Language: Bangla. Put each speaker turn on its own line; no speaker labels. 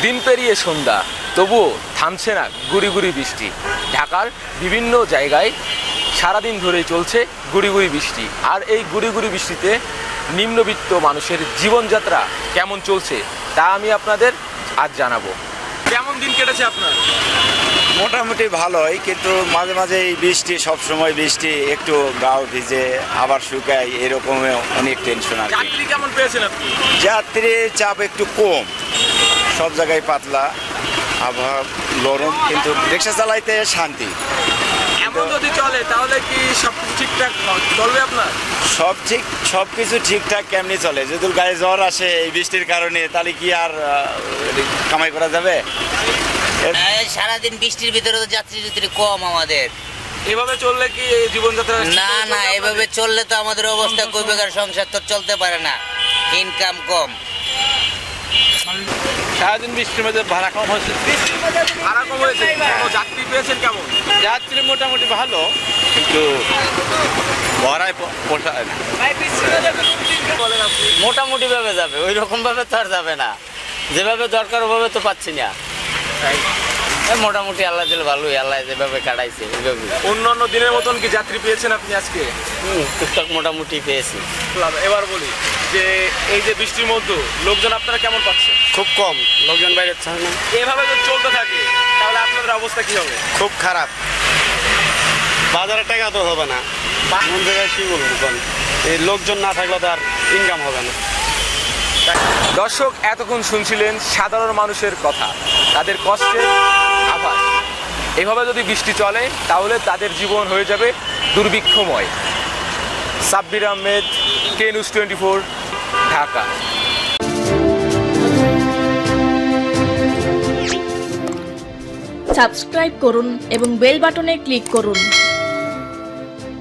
দিন পেরিয়ে সন্ধ্যা, তবুও থামছে না গুড়ি গুড়ি বৃষ্টি। ঢাকার বিভিন্ন জায়গায় সারাদিন ধরেই চলছে গুড়ি গুড়ি বৃষ্টি। আর এই গুড়ি গুড়ি বৃষ্টিতে নিম্নবিত্ত মানুষের জীবনযাত্রা কেমন চলছে তা আমি আপনাদের আজ জানাবো। কেমন দিন কেটেছে আপনার?
মোটামুটি ভালোই, কিন্তু মাঝে মাঝে এই বৃষ্টি, সবসময় বৃষ্টি, একটু গাও ভিজে আবার শুকায়, এরকম অনেক টেনশন আর কি।
চাকরি কেমন পেয়েছেন আপনি?
যাত্রীর চাপ একটু কম, সব জায়গায় পাতলা, আবহাওয়া গরম, কিন্তু রিক্সা চালাইতে শান্তি।
এমন যদি চলে তাহলে কি সব ঠিকঠাক চলবে আপনার?
সব কিছু ঠিকঠাক কেমনি চলে? যদি গায়ে জ্বর আসে এই বৃষ্টির কারণে, তাহলে কি আর কামাই করা যাবে?
সারাদিন বৃষ্টির ভিতরে তো যাত্রী কম আমাদের।
এভাবে চললে কি এই জীবনযাত্রা
না, এভাবে চললে তো আমাদের অবস্থা কই বেকার, সংসার তো চলতে পারে না, ইনকাম কম।
সারাদিন বৃষ্টির মধ্যে ভাড়া কম হয়েছে।
ভাড়া কম হয়েছে, যাত্রী পেয়েছেন কেমন?
যাত্রী মোটামুটি ভালো, কিন্তু ভাড়ায় পোষায় না।
বলেন আপনি।
মোটামুটি ভাবে যাবে, ওই রকম ভাবে তো আর যাবে না, যেভাবে দরকার ওভাবে তো পাচ্ছি না। মোটামুটি আল্লাহ দিলে ভালোই, আল্লাহ যেভাবে কাটাইছে ওইভাবে।
অন্যান্য দিনের মতন কি যাত্রী পেয়েছেন আপনি আজকে?
টুকটাক মোটামুটি পেয়েছি।
এবার বলি যে এই যে বৃষ্টির মধ্যে লোকজন আপনারা কেমন পাচ্ছেন?
খুব কম লোকজন বাইরে ছাড়ে না।
এভাবে যদি চলতে থাকে তাহলে আপনাদের অবস্থা কি হবে?
খুব খারাপ, বাজারে টাকা তো হবে না। কোন জায়গায় কি বলবো, এই লোকজন না থাকলে তো আর ইনকাম হবে না।
দর্শক, এতক্ষণ শুনছিলেন সাধারণ মানুষের কথা, তাদের কষ্টের আভাস। এভাবে যদি বৃষ্টি চলে তাহলে তাদের জীবন হয়ে যাবে দুর্ভিক্ষময়। Sabbir Ahmed, K news 24, Dhaka.
Subscribe করুন এবং বেল বাটনে ক্লিক করুন।